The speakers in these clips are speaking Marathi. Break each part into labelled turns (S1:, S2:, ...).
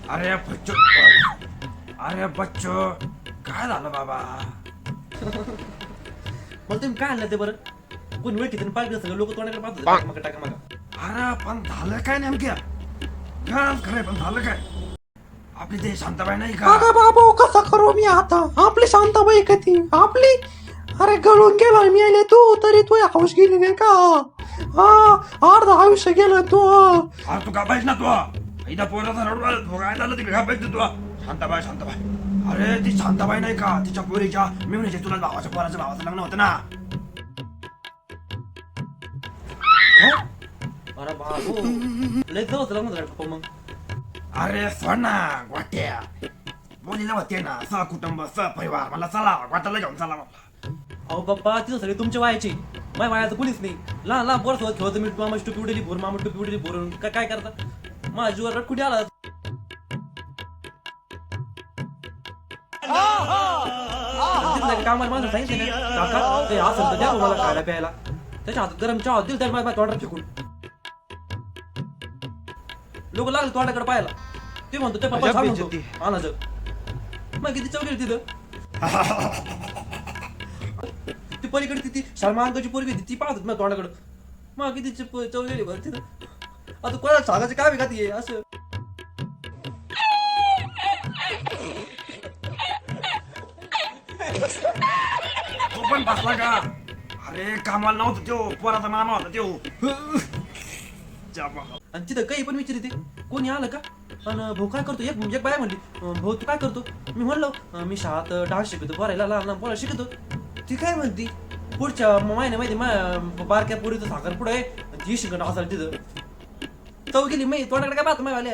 S1: अरे बच्चो, अरे बच्चो, काय झालं बाबा?
S2: मला तुम्ही काय आणलं ते बरं? कोणी वेळ किती पाहिजे सगळं लोक तोंडाकडे पाहतो मग टाका मग.
S1: अरे पण झालं काय नेमक्या? खरंय पण झालं काय? आपली ते शांताबाई नाही का?
S3: अगं बाबू कसा करू मी आता? आपली शांताबाई कधी आपली? अरे गळून गेला मी आले तू तरी तू हाऊस गेली नाही का? हा अर्ध आयुष्य गेलं तू.
S1: अरे तू का पाहिजे ना तू? इथं पोराचा रडू काय झालं तिकडे का पाहिजे तू? शांताबाई. अरे ती शांताबाई नाही का? तिच्या पोरीच्या मी म्हणजे तुला भावाच्या पोराच्या भावाचं लग्न होतं ना.
S2: अरे बाबू लय जवळ लग्न झालं पप्पा मग.
S1: अरे सोड ना वाट्या. बोलीला होते ना सहकुटुंब सहपरिवार मला चला वाटायला घेऊन चला मला.
S2: अहो पप्पा तिथं सगळे तुमच्या वयाची माझ्या वयाचं कोणीच नाही. लहान लहान पोरं सोबत खेळतो मी मामा टोपी उडली भोर मामा टोपी उडली भोरून काय करता माझ्या जीवर रट कुठे आला. कामाला माणसं सांगितले ना काका ते असं तर द्या मला खायला प्यायला. त्याच्या हातात गरम चहा दिल तर माझ्या तोंडात फेकून लोक लागले तोंडाकडे पाहायला. ते म्हणतो ते पप्पा छान म्हणतो आणायचं मग किती चौकी तिथं. ती पलीकडे ती सलमानची पोरगी ती पाहत माझ्या तोंडाकडं मग किती चौलेली बरं तिथं. आता कोणाला सांगायचं काय का ती असं.
S1: तू पण बसला का? अरे कामाला नव्हतं त्यो पोराचा मामा होता त्यो.
S2: आणि तिथं काही पण विचारते कोणी आलं का आणि भाऊ काय करतो. एक बाया म्हणली भाऊ तू काय करतो. मी म्हणलो मी शाळेत डान्स शिकवतो पोरायला लहान लहान पोरायला शिकवतो. ती काय म्हणती पुढच्या महिन्यामध्ये बारक्या पोरीचं साखर पुढं आहे ती शिकणं असाल तिथं चौ गेली मी तोंडाकडे काय पाहतो मायवाले.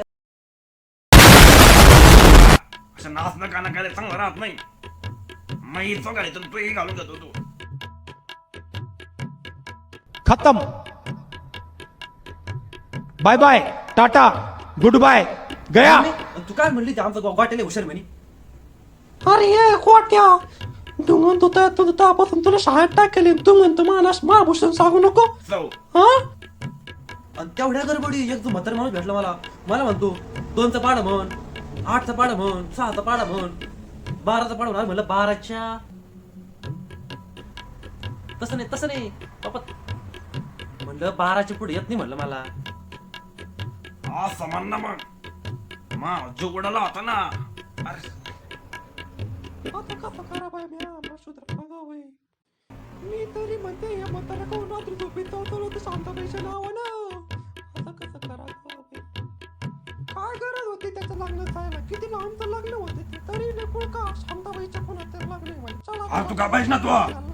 S1: असं नाचणं गाणं काय चांगलं राहत नाही. मी तो घालायचं तूही घालून जातो तू.
S3: खत्म. Bye bye tata good bye गया.
S2: तू काय म्हणली ते आमचा गोट्याला हुशार म्हणे.
S3: अरे ये खोट्या तू म्हणतो त्यापासून तुला शाळेत टाकेल तू म्हणतो मानस महाभूषण सांगू नको. हा
S2: आणि तेवढ्या गडबडी एक जो म्हातारा माणूस भेटला मला म्हणतो 2चा पाडा म्हण 8चा पाडा म्हण 6चा पाडा म्हण 12चा पाडा म्हण. म्हणलं 12च्या तसं नाही बाबा म्हणलं 12च्या पुढे येत नाही म्हणलं मला.
S1: हा समान ना मग जो उडाला होता ना. अरे
S3: आता कसं करा बाय मी आम्हाला सुधार बघावं. मी तरी म्हणते या म्हातारा कोण रात्री झोपेत होतो ते शांताबाईच्या नावानं. आता कसं करा काय गरज होती त्याचं लग्न जायला. किती लांबचं लग्न होते तरी लेकूळ का शांताबाईच्या कोणाचं लग्न. चला
S1: तू का पाहिजे ना तू?